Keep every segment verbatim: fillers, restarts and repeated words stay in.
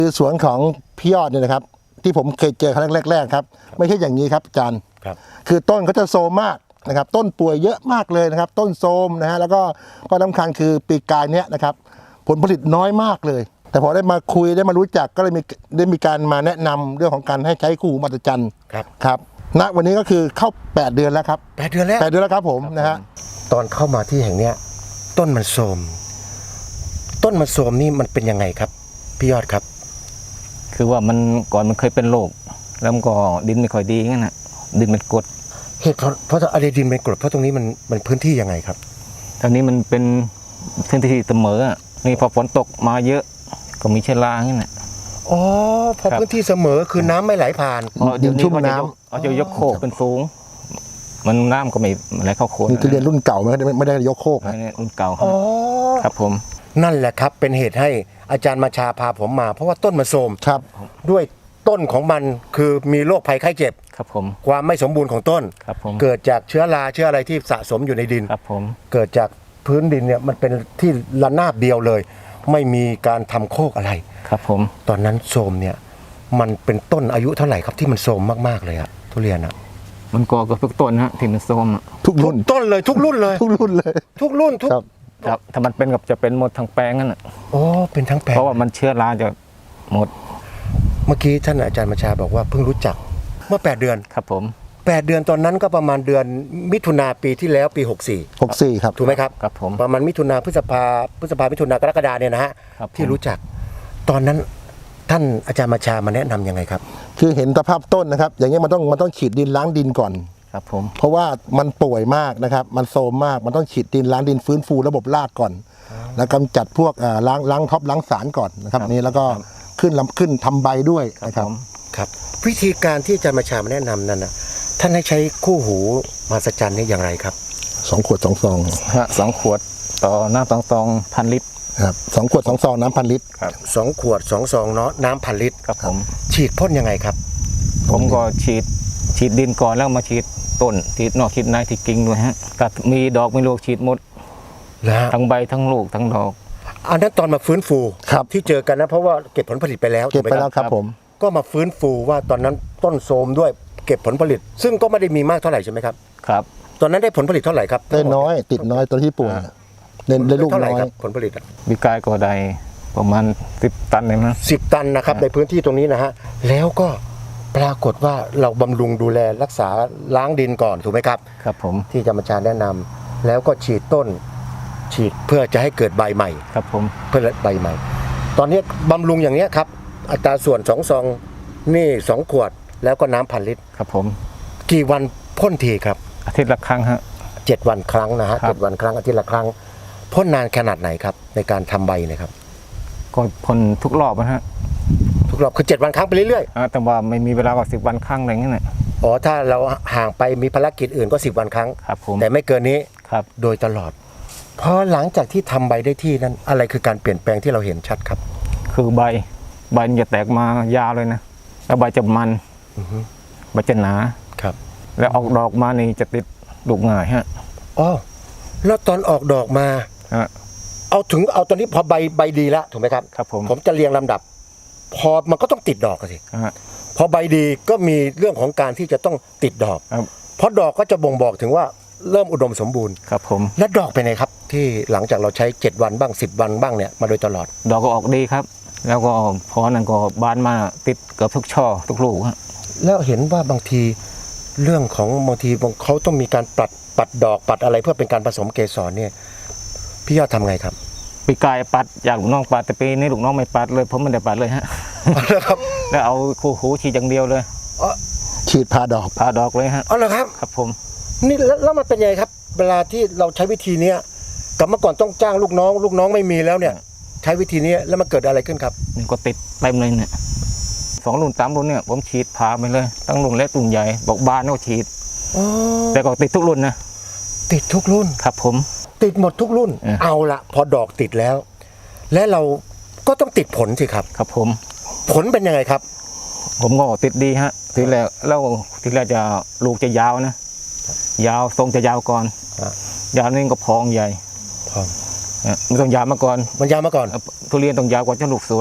คือสวนของพี่ยอดเนี่ยนะครับที่ผมเคยเจอครั้งแรกๆครับไม่ใช่อย่างนี้ครับอาจารย์ครับคือต้นเขาจะโซมมากนะครับต้นป่วยเยอะมากเลยนะครับต้นโซมนะฮะแล้วก็ก็สำคัญคือปีกายเนี้ยนะครับผลผลิตน้อยมากเลยแต่พอได้มาคุยได้มารู้จักก็เลยมีได้มีการมาแนะนำเรื่องของการให้ใช้คู่หูมหัศจรรย์ครับครับณวันนี้ก็คือเข้าแปดเดือนแล้วครับแปดเดือนแล้วแปดเดือนแล้วครับผมนะฮะตอนเข้ามาที่แห่งเนี้ยต้นมันโทรมต้นมันโทรมนี่มันเป็นยังไงครับพี่ยอดครับคือว่ามันก่อนมันเคยเป็นโรคแล้วมันก็ดินไม่ค่อยดีงั้นนะดินมันกรดเหตุเพราะเพราะอะไรดินเป็นกรดเพราะตรงนี้มันมันพื้นที่ยังไงครับตอนนี้มันเป็นพื้นที่เสมอนี่พอฝนตกมาเยอะก็มีเชื้อรางั้นนะอ๋อพอพื้นที่เสมอคือน้ำไม่ไหลผ่านดินชุ่มน้ำเอาจะยกโคกเป็นสูงมันน้ำก็ไม่ไหลเข้าโคนนี่คือเรียนรุ่นเก่าไม่ได้ไม่ได้ยกโคกนะรุ่นเก่าครับผมนั่นแหละครับเป็นเหตุให้อาจารย์มาชาพาผมมาเพราะว่าต้นมันโทรมครับด้วยต้นของมันคือมีโรคภัยไข้เจ็บครับผมความไม่สมบูรณ์ของต้นครับผมเกิดจากเชื้อราเชื้ออะไรที่สะสมอยู่ในดินครับผมเกิดจากพื้นดินเนี่ยมันเป็นที่ระนาบเดียวเลยไม่มีการทำโคกอะไรครับผมตอนนั้นโทรมเนี่ยมันเป็นต้นอายุเท่าไหร่ครับที่มันโทรมมากๆเลยอะทุเรียนอะมันก่อกับทุกต้นฮะที่มันโทรมทุกรุ่นต้นเลยทุกรุ่นเลยทุกรุ่นเลยทุกรุ่นทุกครับถ้ามันเป็นกับจะเป็นหมดทั้งแปลงนั่นแหละโอ้เป็นทั้งแปลงเพราะว่ามันเชื้อราจะหมดเมื่อกี้ท่านอาจารย์มาชาบอกว่าเพิ่งรู้จักเมื่อแปดเดือนครับผมแปดเดือนตอนนั้นก็ประมาณเดือนมิถุนาปีที่แล้วปีหกสี่หกสี่ครับถูกไหมครับครับผมประมาณมิถุนาพฤษภาพฤษภามิถุนากรกฎาเนี่ยนะฮะที่รู้จักตอนนั้นท่านอาจารย์มาชามาแนะนำยังไงครับคือเห็นสภาพต้นนะครับอย่างเงี้ยมันต้องมันต้องฉีดดินล้างดินก่อนครับผมเพราะว่ามันป่วยมากนะครับมันโทรมมากมันต้องฉีดดินล้างดินฟื้นฟูระบบรากก่อนแล้วกำจัดพวกล้างล้างท็อปล้างสารก่อนนะครับนี้แล้วก็ขึ้นลำขึ้นทำใบด้วยนะครับครับวิธีการที่อาจารย์มาชามาแนะนำนั้นนะท่านให้ใช้คู่หูมหัศจรรย์นี่อย่างไรครับสองขวดสองซองฮะสองขวดต่อน้ำสองซองพันลิตรครับสองขวดสองซองน้ำพันลิตรครับสองขวดสองซองเนาะน้ำพันลิตรครับผมฉีดพ่นยังไงครับผมก็ฉีดฉีดดินก่อนแล้วมาฉีดต้นฉีดนอกฉีดในที่กิ่งด้วยฮะก็มีดอกมีลูกฉีดหมดทั้งใบทั้งลูกทั้งดอกอันนั้นตอนมาฟื้นฟูที่เจอกันนะเพราะว่าเก็บผลผลิตไปแล้วเก็บไปแล้วครับผมก็มาฟื้นฟูว่าตอนนั้นต้นโทรมด้วยเก็บผลผลิตซึ่งก็ไม่ได้มีมากเท่าไหร่ใช่ไหมครับครับตอนนั้นได้ผลผลิตเท่าไหร่ครับได้น้อยติดน้อยตัวที่ป่วยเล่นได้ลูกน้อยผลผลิตมีกายก็ได้ประมาณสิบตันเลยมั้งสิบตันนะครับในพื้นที่ตรงนี้นะฮะแล้วก็ปรากฏว่าเราบำรุงดูแลรักษาล้างดินก่อนถูกไหมครับครับผมที่อาจารย์มาชาแนะนำแล้วก็ฉีดต้นฉีดเพื่อจะให้เกิดใบใหม่ครับผมเพื่อใบใหม่ตอนนี้บำรุงอย่างนี้ครับอัตราส่วนสองซองนี่สองขวดแล้วก็น้ำพันลิตรครับผมกี่วันพ่นทีครับอาทิตย์ละครั้งฮะเจ็ดวันครั้งนะฮะเจ็ดวันครั้งอาทิตย์ละครั้งพ่นนานขนาดไหนครับในการทำใบนะครับก็พ่นทุกรอบนะฮะทุกรอบคือเจ็ดวันครั้งไปเรื่อยๆแต่ว่าไม่มีเวลากว่าสิบวันครั้งอะไรเงี้ยนะอ๋อถ้าเราห่างไปมีภารกิจอื่นก็สิบวันครั้งครับผมแต่ไม่เกินนี้ครับโดยตลอดพอหลังจากที่ทำใบได้ที่นั้นอะไรคือการเปลี่ยนแปลงที่เราเห็นชัดครับคือใบใบจะแตกมายาวเลยนะแล้วใบจะมันใบจะหนาครับแล้วออกดอกมานี่จะติดลูกง่ายฮะอ๋อแล้วตอนออกดอกมาเอาถึงเอาตอนนี้พอใบใบดีแล้วถูกไหมครับครับผมผมจะเรียงลำดับพอมันก็ต้องติดดอกสิพอใบดีก็มีเรื่องของการที่จะต้องติดดอกเพราะดอกก็จะบ่งบอกถึงว่าเริ่มอุดมสมบูรณ์ครับผมและดอกเป็นไงครับที่หลังจากเราใช้เจ็ดวันบ้างสิบวันบ้างเนี่ยมาโดยตลอดดอกก็ออกดีครับแล้วก็พอนั้นก็บานมาติดเกือบทุกช่อทุกลูกฮะแล้วเห็นว่าบางทีเรื่องของบางทีเขาต้องมีการปัดปัดดอกปัดอะไรเพื่อเป็นการผสมเกสรเนี่ยพี่ยอดทำไงครับปีกายปัดอยากลูกน้องปัดแต่ปีนี้ลูกน้องไม่ปัดเลยผมไม่ได้ปัดเลยฮะครับแล้วเอาคู่หูฉีดอย่างเดียวเลยฉีดพาดอกพาดอกเลยฮะอ๋อเหรอครับครับผมนี่แล้วมันเป็นไงครับเวลาที่เราใช้วิธีนี้กับเมื่อก่อนต้องจ้างลูกน้องลูกน้องไม่มีแล้วเนี่ยใช้วิธีนี้แล้วมันเกิดอะไรขึ้นครับนี่ก็ติดเต็มเลยเนี่ยสองรุ่นสามรุ่นเนี่ยผมฉีดพาไปเลยตั้งรุ่นเล็กรุ่นใหญ่บอกบานก็ฉีดแต่ก็ติดทุกรุ่นนะติดทุกรุ่นครับผมติดหมดทุกรุ่นเอาละพอดอกติดแล้วและเราก็ต้องติดผลสิครับครับผมผลเป็นยังไงครับผมก็ติดดีฮะทีแรกแล้วทีแรกจะลูกจะยาวนะยาวทรงจะยาวก่อนยาวนี่ก็พองใหญ่พองมันต้องยาวมาก่อนมันยาวมาก่อนทุเรียนต้องยาวกว่าจะลูกสวย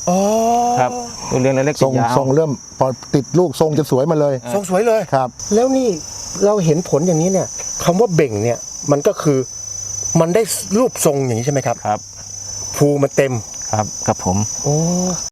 อ๋อครับทุเรียนเล็กๆทจะรงยาวทรงเริ่มพอติดลูกทรงจะสวยมาเลยทรงสวยเลยครับแล้วนี่เราเห็นผลอย่างนี้เนี่ยคำว่าเบ่งเนี่ยมันก็คือมันได้รูปทรงอย่างนี้ใช่ไหมครับครับภูมันเต็มครับครับผมโอ้